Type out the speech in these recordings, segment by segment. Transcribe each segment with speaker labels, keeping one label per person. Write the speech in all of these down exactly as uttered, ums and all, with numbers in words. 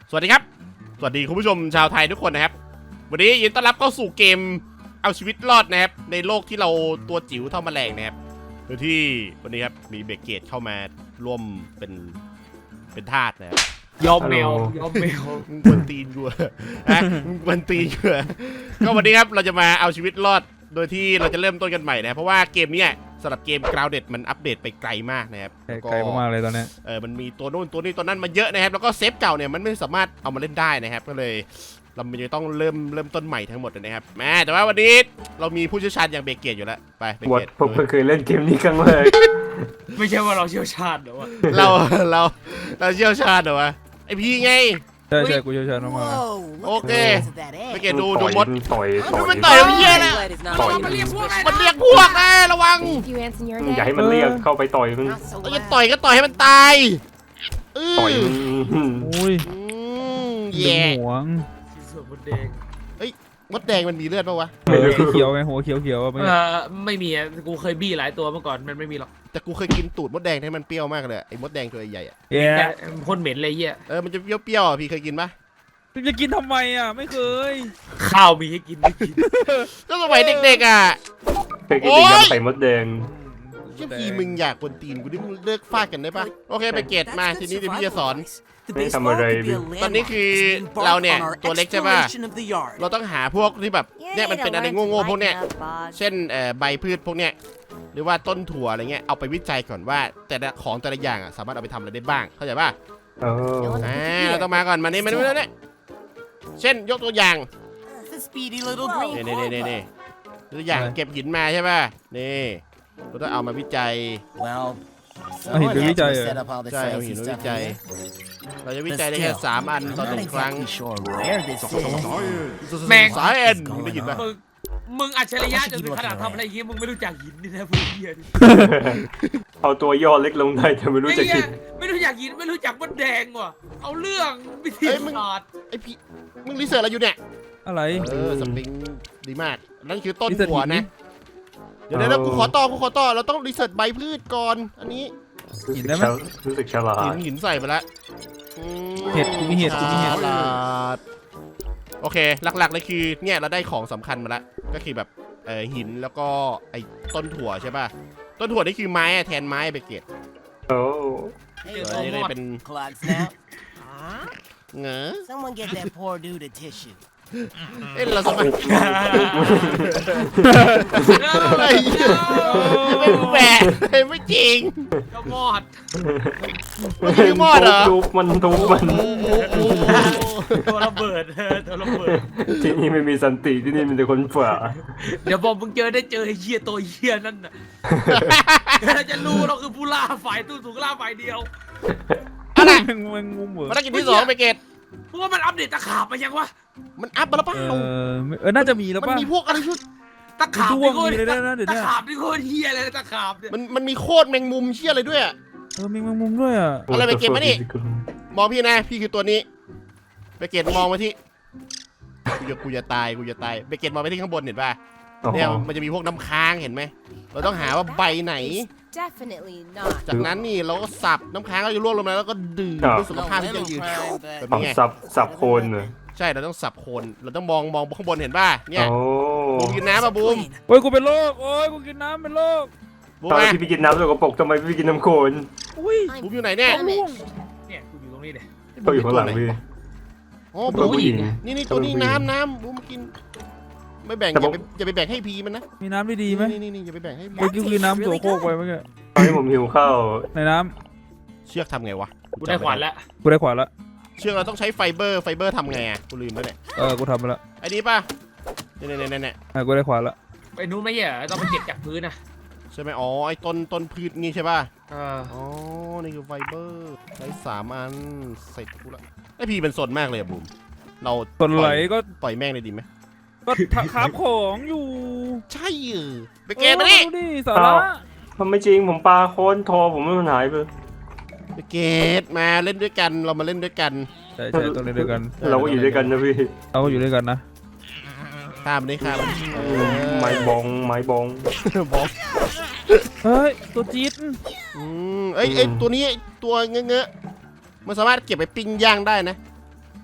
Speaker 1: สวัสดีครับสวัสดีคุณผู้ชมชาวไทยทุกคนนะครับวันนี้ยินดีต้อนรับเข้าสู่เกมเอาชีวิตรอดนะครับในโลกที่เราตัวจิ๋วเท่าแมลงนะครับโดยที่วันนี้ครับมีเบเกตเข้ามาร่วมเป็นเป็นทาสนะครับ
Speaker 2: ยอมแมวยอมแมว
Speaker 1: มึงกวนตีนกูอะมึงกวนตีนกูก็วันนี้ครับเราจะมาเอาชีวิตรอดโดยที่เราจะเริ่มต้นกันใหม่นะเพราะว่าเกมนี้สำหรับเกม Grounded มันอัปเดตไปไกลมากนะครับ
Speaker 3: ไกลมากเลยตอนนี้
Speaker 1: เออมันมีตัวโน้นตัวนี้ตัวนั้นมาเยอะนะครับแล้วก็เซฟเก่าเนี่ยมันไม่สามารถเอามาเล่นได้นะครับก็เลยเราจะต้องเริ่มเริ่มต้นใหม่ทั้งหมดนะครับแม่แต่ว่าวันนี้เรามีผู้เชี่ยวชาญอย่างเบเกตอยู่แล้วไปเบเกต
Speaker 4: ผมเคยเล่นเกมนี้ครั้งแรก
Speaker 2: ไม่ใช่ว่าเราเชี่ยวชาญหรอวะ
Speaker 1: เราเราเราเชี่ยวชาญเหรอวะไอพี่ไง
Speaker 3: ใช่ใช่กูเชี่ยวชาญมาก
Speaker 1: โอเคเบเกตดูดูมด
Speaker 4: ต่อยต่อย
Speaker 1: มันต่อยเหี้ยนะ
Speaker 2: มันเรียกพวก
Speaker 1: มันเรียกพวกนะระวัง
Speaker 4: อย่าให้มันเรียกเข้าไปต่อยมัน
Speaker 1: จะต่อยก็ต่อยให้มันตาย
Speaker 4: ต่อย
Speaker 3: อุ้ย
Speaker 1: แย่
Speaker 3: หวง
Speaker 2: มดแดง
Speaker 1: เฮ้ยมดแดงมันมีเลือดปะวะ
Speaker 3: เขียวไงหัวเขียวเขียว
Speaker 2: ไม่ไม่มีอ่ะกูเคยบี้หลายตัวเมื่อก่อนมันไม่มีหรอก
Speaker 1: แต่กูเคยกินตูดมดแดงที่มันเปรี้ยวมากเลยไอ้มดแดงตัวใหญ่อะ
Speaker 3: เย้
Speaker 2: พ่นเหม็นเลยเหี้ย
Speaker 1: เออมันจะเปรี้ยวๆอ่ะพี่เคยกินปะ
Speaker 3: จะกินทำไมอ่ะไม่เคย
Speaker 2: ข้าวมีให้กินไม่กิน
Speaker 1: ก็สมัยเด็กๆอ่ะ
Speaker 4: เคยกินแต่ยำใส่มดแดง
Speaker 1: เชี่ยพี่มึงอยากกวนตีนกูดิมึงเลิกฟาดกันได้ปะโอเคไปเกตมาทีนี้เดี๋ยวพี่จะสอน
Speaker 4: ไม่ทำอะไร
Speaker 1: ตอนนี้คือเราเนี่ยตัวเล็กใช่ป่ะเราต้องหาพวกที่แบบเนี่ยมันเป็นอะไรโง่ๆพวกเนี้ยเช่นเอ่อใบพืชพวกเนี้ยหรือว่าต้นถั่วอะไรเงี้ยเอาไปวิจัยก่อนว่าแต่ละของแต่ละอย่างอ่ะสามารถเอาไปทำอะไรได้บ้างเข้าใจป่ะ
Speaker 4: เออ
Speaker 1: อ่าเราต้องมาก่อนมานี่มานี่มานี่เช่นยกตัวอย่างนี่นี่นี่นี่ตัวอย่างเก็บหินมาใช่ป่ะนี่เราต้องเอามาวิจัย
Speaker 3: เอาหินไปวิจัยเหรอ
Speaker 1: ใช่เอาหินไปวิจัยเราจะวิจัยได้แค่สามอันต่อหนึ่งครั้ง
Speaker 2: แม่ง
Speaker 1: สายเอ็นมึงได้ยินป่ะ
Speaker 2: มึงอัจฉริยะจนถึงขนาดทำอะไรอย่างงี้มึงไม่รู้จักหินนี่นะพวกเหี้ย
Speaker 4: เอาตัวย่อเล็กลงได้แต่ไม่รู้จักหิน
Speaker 2: ไม่รู้จักหินไม่รู้จักมดแดงว่ะเอาเรื่องวิธีศาสตร์
Speaker 1: ไอพี่มึงรีเสิร์ชอะไรอยู่เนี่ย
Speaker 3: อะไร
Speaker 1: เออสปริงดีมากนั่นคือต้นหัวนะเดี๋ยวเดี๋ยวกูขอต่อกูขอต่อเราต้องรีเสิร์ชใบพืชก่อนอันนี้
Speaker 3: หินได้ไหม
Speaker 4: รู้สึกฉลาด
Speaker 1: หินหินใส่ไปแล้ว
Speaker 3: เห็ดกูมีเห็ดกูมีเห็ด
Speaker 1: โอเคหลักๆเลยคือเนี่ยเราได้ของสำคัญมาแล้วก็คือแบบเออหินแล้วก็ไอ้ต้นถั่วใช่ป่ะต้นถั่วนี่คือไม้แทนไม้เบเกต
Speaker 4: โอ้
Speaker 1: นี่เลยเป็นเง๋อเอ้ยเราสมัยไอ้ไม่แฝงไม่จริง
Speaker 2: ก็มอด
Speaker 1: มันคือมอดเหรอ
Speaker 4: ทุบมันทุบมัน
Speaker 2: ตัวระเบิดตัวระเบิด
Speaker 4: ที่นี่ไม่มีสันติที่นี่มีแต่คนฝ่า
Speaker 2: เดี๋ยวพอมึงเจอได้เจอไอ้เหี้ยตัวเหี้ยนั่นน่ะเราจะรู้เราคือผู้ล่าฝ่ายตู้สูงล่าฝ่ายเดียว
Speaker 1: อะไร
Speaker 3: มันงุ้มเหรอ
Speaker 1: ภารกิจที่สองเบเกต
Speaker 2: เพราะว่ามันอัปเดตตะขาบมายังวะ
Speaker 1: มันอัพมาแล้วเปล่า
Speaker 3: เออเออน่าจะมีแล้วป่ะ
Speaker 1: มันมีพวกอะไรชุด
Speaker 2: ตะขาบนี่โคตรตะขาบนี่โคตรเฮียเลยตะขาบเนี่ย
Speaker 1: มันมันมีโคตรแมงมุมเชี่ยอะไรด้วยอ่ะ
Speaker 3: เออมีแมงมุมด้วยอ่ะ
Speaker 1: อะไรไปเก็บมานี่มองพี่นะพี่คือตัวนี้ไปเก็บมองมาที่กูจะกูจะตายกูจะตายไปเก็บมองไปที่ข้างบนเห็นป่ะเนี่ยมันจะมีพวกน้ำค้างเห็นไหมเราต้องหาว่าใบไหนจากนั้นนี่เราก็สับน้ำค้างก็จะร่วงลงมาแล้วก็ดื่มด้วยสุขภาพที่ยั่งยืน
Speaker 4: แบบนี้ไงสับสับโคนเลย
Speaker 1: ใช่เราต้องสับโคนเราต้องมองมองข้างบนเห็นป่ะเนี่ยบูมกินน้ำป่ะบูม
Speaker 3: โอ้ยกูเป็นโรคโอ้ยกูกินน้ำเป็นโรค
Speaker 4: บูมพี่ไปกินน้ำสกปรกทำไมพี่กินน้ำโคลน
Speaker 1: อุ้ยบูมอยู่ไหนเนี่ย
Speaker 2: เนี่ยกูอยู่ตรงนี้เลย
Speaker 4: เขาอยู่ข้างหลังพี่
Speaker 1: อ๋อบูมนี่นี่ตัวนี้น้ำน้ำบูมกินไม่แบ่งอย่าไปอย่าไปแบ่งให้พีมันนะ
Speaker 3: มีน้ำดีๆไหม
Speaker 1: นี่นี่นี่อย่าไปแบ่งให้พี
Speaker 3: เมื่อกี้กินน้ำตัวโคกไปเมื่อกี้
Speaker 4: ให้ผมหิวข้าว
Speaker 3: ในน้
Speaker 1: ำเชือกทำไงวะ
Speaker 2: กูได้ขวานแล้ว
Speaker 3: กูได้ขวานแล้ว
Speaker 1: เชือกเราต้องใช้ไฟเบอร์ไฟเบอร์ทำไงอ่ะกูลืมไปเนี่ย
Speaker 3: เออกูทำไปแล้ว
Speaker 1: ไอ้นี่ป่ะเนี่ยเนี่ยเนี่ยเนี่ย
Speaker 3: กูได้ขวานแล้ว
Speaker 2: ไอ้นู้นไม่ใช่เหรอต้องไปเก็บจากพื้นนะ
Speaker 1: ใช่ไหมอ๋อไอ้ต้นต้นพืชนี่ใช่ป่ะ
Speaker 2: อ๋อ
Speaker 1: นี่คือไฟเบอร์ใช้สามอันเสร็จกูละไอพีเป็นสนมากเลยบูมเรา
Speaker 3: สนไหลก็
Speaker 1: ปล่อยแม่งเลยดีไหม
Speaker 3: ก็ขาบของอยู่
Speaker 1: ใช่เออไปเกมมาดิ
Speaker 3: สาระ
Speaker 4: มันไม่จริงผมปลาโคนทอผมไม่มันหายไป
Speaker 1: ไปเกตมาเล่นด้วยกันเรามาเล่นด้วยกัน
Speaker 3: ใช่ใช่ต้องเล่นด้วยกัน
Speaker 4: เราก็อยู่ด้วยกันนะพี่
Speaker 3: เราก็อยู่ด้วยกันนะ
Speaker 1: ข้ามได้ข้าม
Speaker 4: ไม้บองไม้บอง
Speaker 1: บอง
Speaker 3: เฮ้ยตัวจี๊ด
Speaker 1: อืมเอ้ยไอตัวนี้ตัวเงอะเงอะมันสามารถเก็บไปปิ้งย่างได้นะ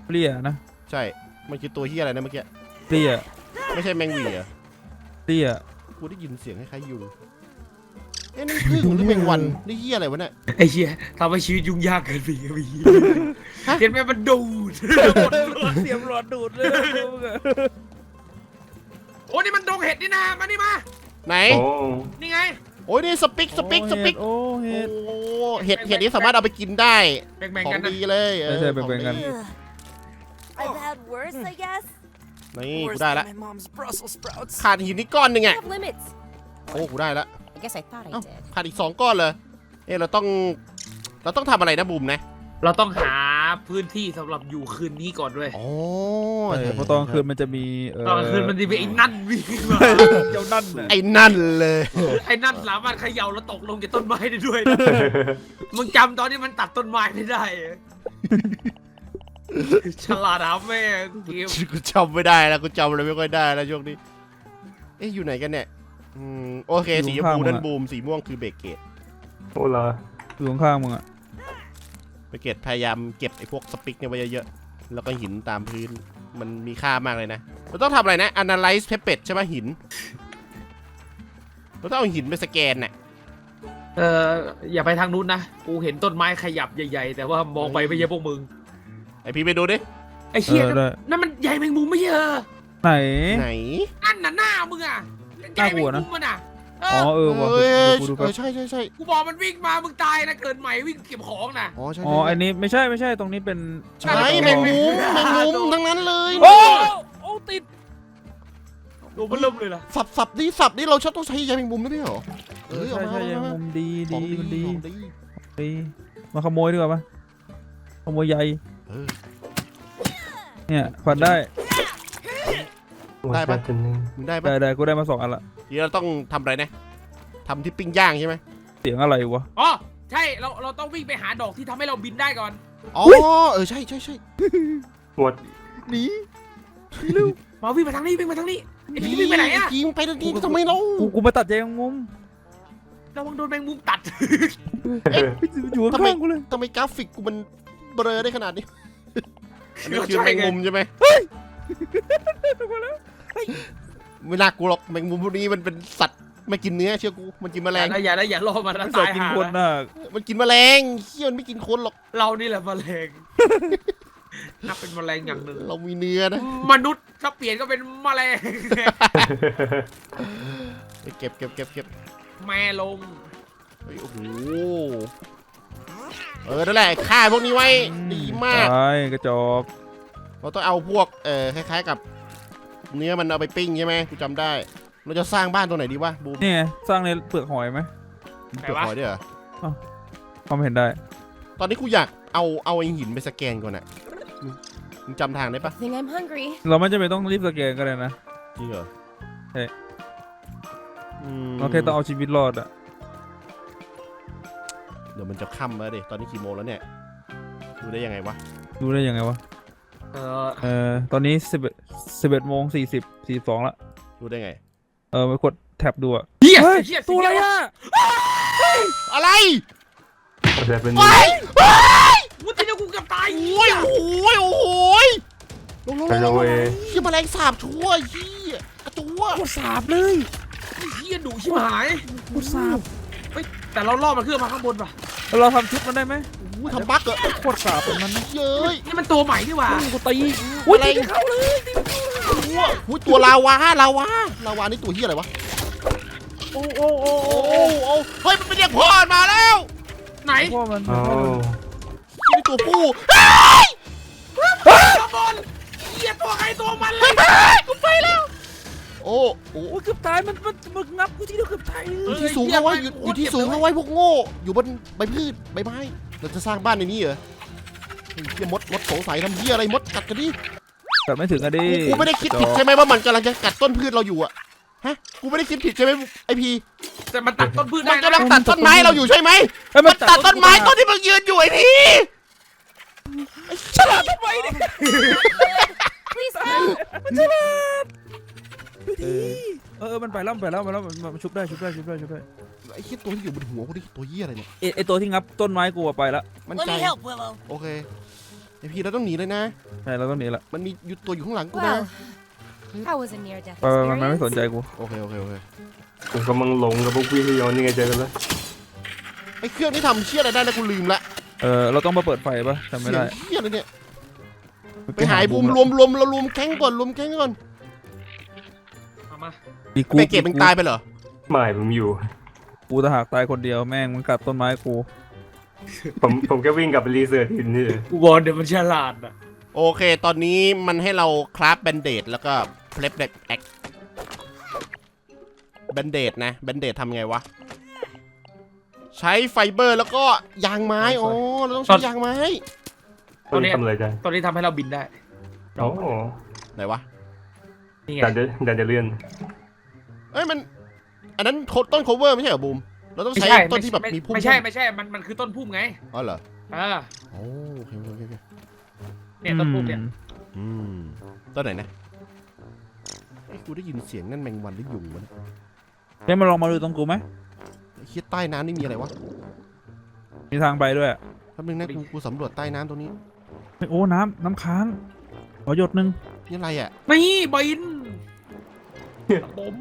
Speaker 3: เปรี้ยนะ
Speaker 1: ใช่มันคือตัวเฮียอะไรนะเมื่อกี้
Speaker 3: เปรี้ย
Speaker 1: ไม่ใช่แมงหวีเหรอ
Speaker 3: เปรี้ย
Speaker 1: กูได้ยินเสียงคล้ายๆยุงเอ๊ะนั่นพึ่งหรือแมงวันนี่เฮียอะไรวะเนี่ย
Speaker 2: ไอ้เหี้ยทำให้ชีวิตยุ่งยากเกินไปครับพี่เห็นไหมมันดูดหมดเลย
Speaker 3: เสียมหลอดดูดเลยมึงอะ
Speaker 2: โอ้นี่มันดงเห็ดนี่นะมานี่มา
Speaker 1: ไหน
Speaker 4: โอ้
Speaker 2: นี่ไง
Speaker 1: โอ้ยนี่สปิกสปิกสปิก
Speaker 3: โอ้
Speaker 1: โอ้
Speaker 3: เห็ด
Speaker 1: เห็ดเห็ดนี้สามารถเอาไปกินได้
Speaker 2: แบ่ง
Speaker 1: ขอ
Speaker 2: ๆกั
Speaker 1: ง
Speaker 2: นนะ
Speaker 1: ดีเลยเออ
Speaker 3: ใช่ๆแบ่งๆกัน
Speaker 1: ของดี
Speaker 5: I've had worse, I guess.
Speaker 1: นี่กู
Speaker 5: Worse
Speaker 1: ได้
Speaker 5: than
Speaker 1: ละ
Speaker 5: my mom's Brussels sprouts.
Speaker 1: ขาดหินนี่ก้อนหนึ่ง
Speaker 5: I
Speaker 1: อ่ะ
Speaker 5: have limits.
Speaker 1: โอ้กูได้ละ
Speaker 5: I guess I thought I
Speaker 1: เอ้า
Speaker 5: did.
Speaker 1: ขาดอีกสองก้อนเลยเอ๊ะเราต้องเราต้องทำอะไรนะบูมนะ
Speaker 2: เราต้องหาพื้นที่สำหรับอยู่คืนนี้ก่อนด้วย
Speaker 1: โอ้
Speaker 3: เออเพราะตอนกลางคืนมันจะมีเออ
Speaker 2: ตอนกลางคืนมันจะมีไอ้นั่นวิ่งมา
Speaker 3: เจ้านั่นน่ะ
Speaker 1: ไอ้นั่นเลย
Speaker 2: ไอ้นั่นสามารถเขย่าแล้วตกลงจากต้นไม้ได้ด้วยนะมึงจำตอนที่มันตัดต้นไม้ไม่ได้เหรอฉลาดหาแม่เกม
Speaker 1: กูจำไม่ได้แล้วกูจำอะไรไม่ค่อยได้แล้วช่วงนี้เอ๊ะอยู่ไหนกันเนี่ยอืมโอเคสีชมพูนั่นบูมสีม่วงคือเบเกต
Speaker 4: โอ้เหรอ
Speaker 3: อยู่ข้างๆมึงอะ
Speaker 1: เบเกตพยายามเก็บไอ้พวกสปิกเนี่ยไว้เยอะๆแล้วก็หินตามพื้นมันมีค่ามากเลยนะเราต้องทำอะไรนะ analyze pepper ใช่ไหมหินเราต้องเอาหินไปสแกนน่ะ
Speaker 2: เอออย่าไปทางนู้นนะกูเห็นต้นไม้ขยับใหญ่ๆแต่ว่ามองไปไม่ใช่พวกมึง
Speaker 1: ไอพี่ไปดูดิ
Speaker 2: ไอ้เชี่ย
Speaker 3: เออได้
Speaker 2: นั่นมันใหญ่แมงมุมไม่ใช่เหรอ
Speaker 3: ไหน
Speaker 1: ไหน
Speaker 2: นั่นน่ะหน้ามึงอ่ะใหญ่แมงมุมมันอ่ะเอ
Speaker 3: อ๋อ
Speaker 2: อ
Speaker 3: เออว่ะ
Speaker 1: เอ้ย
Speaker 3: เดี๋ยวกูดู
Speaker 1: เอ
Speaker 3: แป๊
Speaker 1: อบ ใช่ใช่ใช่
Speaker 2: กูบอกมันวิ่งมามึงตายนะเกิดใหม่วิ่งเก็บของน่ะ
Speaker 1: อ๋อใช่
Speaker 3: อ๋ออันนี้ไม่ใช่ไม่ใช่ตรงนี้เป็น
Speaker 1: ใช่แมงมุมแมงมุมทั้งนั้นเลย
Speaker 3: โอ้โอ้ติด
Speaker 2: ดูมันเริ่มเลยล่ะ
Speaker 1: สับสับนี่สับนี่เราชอบต้องใช้ยาแมงมุมไม่ใช่เหรอเออเอา
Speaker 3: ใช่
Speaker 1: มา
Speaker 3: ใช่ยัง
Speaker 1: เอามา
Speaker 3: มุมดี
Speaker 1: ข
Speaker 3: ดี
Speaker 1: อง
Speaker 3: มันดี
Speaker 1: ของดี
Speaker 3: ดีมาขโมยดีกว่าปะขโมยใย
Speaker 1: เออ
Speaker 3: เนี่ยควันได้
Speaker 1: ได้ปะ
Speaker 4: จนหนึ่ง
Speaker 1: มึงได้ปะ
Speaker 3: ได้ได้กูได้มาสองอันละ
Speaker 1: เดี๋ยวเราต้องทำอะไรนะทำที่ปิ้งย่างใช่ไหม
Speaker 3: เสียงอะไรวะ
Speaker 2: อ๋อใช่เราเราต้องวิ่งไปหาดอกที่ทำให้เราบินได้ก่อน
Speaker 1: อ๋อเออใช่ใช่ใช่
Speaker 4: หมด
Speaker 3: หนี
Speaker 2: มาวิ่งมาทางนี้วิ่งมาทางนี้ไอ้พี่วิ่งไปไหนอะ
Speaker 1: ยิงไปทันทีทำไมเรา
Speaker 3: กูกูมาตัดใยแมงมุม
Speaker 2: ระวังโดนแมงมุมตัด
Speaker 3: อยู่ข้างๆกูเลย
Speaker 1: ทำไมกราฟิกกูมันเบลอได้ขนาดนี้อันนี้คือแมงมุมใช่ไหมไม่น่ากลัวหรอกแมงมุมพวกนี้มันเป็นสัตว์ไม่กินเนื้อเชื่อกูมันกินแมล
Speaker 2: อย่าง ได้อย่าได้อย่าล่อมันนะ
Speaker 3: ไม่ใส่
Speaker 2: ตาย
Speaker 3: กิน
Speaker 2: หา
Speaker 3: คนน่ะ
Speaker 1: มันกินแมลงเขี้ยวมันไม่กินคนหรอก
Speaker 2: เรานี่แหละแมลงนับเป็นแมลงอย่างหนึ่ง
Speaker 1: เรามีเนื้อนะ
Speaker 2: มนุษย์ถ้าเปลี่ยนก็เป็นแมลง
Speaker 1: ไปเก็บเก็บเก็บเก็บ
Speaker 2: แม่ลง
Speaker 1: เฮ้ยโอ้โหเออนั่นแหละฆ่าพวกนี้ไว้ดีมาก
Speaker 3: ใช่กระจอก
Speaker 1: เราต้องเอาพวกเออคล้ายๆกับ เนื้อมันเอาไปปิ้งใช่ไหมกูจำได้ เราจะสร้างบ้านตรงไหนดีวะบูม
Speaker 3: นี่ไงสร้างในเปลือกหอยไหม
Speaker 1: เปลือกหอยด้วยเหรอ
Speaker 3: ความเห็นได้
Speaker 1: ตอนนี้กูอยากเอาเอาไอ้หินไปสแกนก่อนอะมึงมึงจำทางได้ปะ
Speaker 5: I think I'm hungry.
Speaker 3: เราไม่จำเป็นต้องรีบสแกนก็ได้นะ
Speaker 1: จริงเหรอ
Speaker 3: ใช่
Speaker 1: อืม
Speaker 3: เราแค่ต้องเอาชีวิตรอดอะ
Speaker 1: เดี๋ยวมันจะค่ำแล้วดิตอนนี้กี่โมงแล้วเนี่ยดูได้ยังไงวะ
Speaker 3: ดูได้ยังไงวะ
Speaker 2: เออ
Speaker 3: เออตอนนี้สิบเอ็ดสิบเอ็ดโมงสี่สิบสี่สองละ
Speaker 1: ดูได้ไง
Speaker 3: เออไปกดแท็บดูอะ
Speaker 2: เฮีย
Speaker 3: เฮ้ย
Speaker 2: เฮีย
Speaker 3: ตัวอะไรอะ
Speaker 1: อะไร
Speaker 4: ก็จะเป็น
Speaker 1: ไปไป
Speaker 2: วุ้ยที่นี่กูเกือบตาย
Speaker 1: โอ้ยโอ้ยโอ้ยลงลงล
Speaker 4: ฮั
Speaker 1: ง
Speaker 4: ลโหล
Speaker 1: ลง
Speaker 4: เว
Speaker 1: เฮียแมลงสาบชั่วเฮียกระตัว
Speaker 3: กดสาบเลย
Speaker 2: เฮียดุชิบหาย
Speaker 3: กดสาบ
Speaker 2: เฮ้ยแต่เราล่อมันขึ้นมาข้างบนป่ะ
Speaker 3: แล้วเราทำชุดมันได้ไหม
Speaker 1: โอ้ยทำบั๊กเหรอ
Speaker 3: โคตรสาบเป็นมันนะ
Speaker 1: เย้ย
Speaker 2: นี่มันตัวใหม่นี่หว่า
Speaker 3: กูตีอุ้ย
Speaker 1: อะไร
Speaker 3: ตีเข้าเลย
Speaker 1: ตัวอุ้ยตัวลาวาลาวาลาวานี่ตัวเฮียอะไรวะ
Speaker 3: โอ้โอ้โอ้
Speaker 1: โอ้
Speaker 3: โอ้
Speaker 1: โหโอ้เฮ้ยมันเป็นเรียกพ่อมาแล้ว
Speaker 2: ไหน
Speaker 3: พ่อมัน
Speaker 4: โอ้
Speaker 1: นี่ตัวผู้
Speaker 2: ข้างบนเฮียตัวใครตัวมันเลย
Speaker 1: กูไปแล้วโอ้โห
Speaker 3: โอ้ยเกือบตายมันมันมึงงับกูที่เดียวเกือบตายเล
Speaker 1: อย ยู่ที่สูงเอาไว้อยู่อยู่ที่สูงเอาไว้พวกโง่อยู่บนใบพืชใบไม้เราจะสร้างบ้านในนี้เหรอเฮ้ยเฮียมดมดสงสัยทำเฮียอะไรมดกัดกันดิ
Speaker 3: กัดไม่ถึงอะดิ
Speaker 1: กูไม่ได้คิดผิดใช่ไหมว่ามันกำลังจะกัดต้นพืชเราอยู่อะฮะกูไม่ได้คิดผิดใช่ไหมไอพี
Speaker 2: แต่มันตัดต้นพืช
Speaker 1: มั
Speaker 2: ได้
Speaker 1: น
Speaker 2: นะ
Speaker 1: กำลังตัดต้นไม้เราอยู่ใช่ไหม
Speaker 3: เฮ้ย
Speaker 1: มันตัดต้นไม้ต้นที่มึงยืนอยู่ไอพีไอ้ฉลาดทำไมเนี่ย
Speaker 5: Please help.
Speaker 3: เออเออมันไปแล้วมันไปแล้วมันไปแล้วมันมันชุบได้ชุบได้ชุบได้ชุบได้
Speaker 1: ไอ้เหี้ยตัวที่อยู่บนหัวกูนี่ตัวเหี้ยอะไรเนี่ย
Speaker 3: ไอไอตัวที่งับต้นไม้กูอะไปแล้ว
Speaker 1: มัน
Speaker 5: Let
Speaker 1: ใจ
Speaker 5: me help, Willow.
Speaker 1: โอเคไอพี่เราต้องหนีเลยนะ
Speaker 3: ใช่เราต้องหนีละ
Speaker 1: มันมีอยู่ตัวอยู่ข้างหลังกูนะ
Speaker 5: Well, that was a near-death
Speaker 3: ไปไปมันไม่สนใจ
Speaker 5: experience.
Speaker 3: กู
Speaker 1: โอเคโอเคโอเค
Speaker 4: ผมกำลังหลงกับพวกพี่ที่ย้อนนี่ไงเจอกันแล้ว
Speaker 1: ไอเครื่องนี้ทำเชี่ยอะไรได้แล้วกูลืมละ
Speaker 3: เออเราต้องมาเปิดไฟปะจำไม่
Speaker 1: เสีย
Speaker 3: ได้
Speaker 1: งเชี่ยอะไรเนี่ยไปหายบูมรวมรวมเรารวมแก๊งก่อนรวมแก๊งก่อน
Speaker 2: เอามา
Speaker 3: มีกู
Speaker 1: เบเกตมึงตายไปเหรอ
Speaker 4: ไม่ผมอยู่
Speaker 3: กูจะหากตายคนเดียวแม่งมึงกัดต้นไม้กู
Speaker 4: ผมผมแค่วิ่งกลับไปรีเสิร์ชหินนี่
Speaker 2: กูบอกเดี๋ยวมันฉลาดอ่ะ
Speaker 1: โอเค ตอนนี้มันให้เราคราฟแบนเดดแล้วก็เพลฟเด็กแอคแบนเดดนะแบนเดดทำไงวะ ใช้ไฟเบอร์แล้วก็ยางไม้โอ้เราต้องใช้ยางไม้
Speaker 4: ตอนนี้ทำอะไรกัน
Speaker 2: ตอนนี้ทำให้เราบินได้
Speaker 4: โอ้
Speaker 1: ไหนวะ
Speaker 2: นี่ไง
Speaker 4: ดันเดดันเดเลียน
Speaker 1: เอ้ยมัน อันนั้นโคต้นโคเวอร์ไม่ใช่เหรอบูม เราต้อง
Speaker 2: ไม่
Speaker 1: ใช้
Speaker 2: ใช่
Speaker 1: ต้นที่แบบมีพุ่ม
Speaker 2: ไม่ใช่ไม่ใช่มันมันคือต้นพุ่มไง
Speaker 1: อ๋อเหรอ
Speaker 2: อ่า
Speaker 1: โอ้โอเคโอเคโอเค
Speaker 2: เนี่ยต้นพุ่มเนี่ย
Speaker 1: อืมต้นไหนนะไอ้ยกูได้ยินเสียงนั่นแมงวันหรือยุงวะเนี่ย
Speaker 3: เดี๋ยวมาลองมาดูตรงกูไหม
Speaker 1: ไอ้เหี้ยใต้น้ำนี่มีอะไรวะ
Speaker 3: มีทางไปด้วย
Speaker 1: แป๊บนึงนะกูกูสำรวจใต้น้ำตรงนี้
Speaker 3: โอ้น้ำน้ำค้างขอหยดหนึ่ง
Speaker 1: นี่อะไรอ่ะ
Speaker 2: นี่บินปม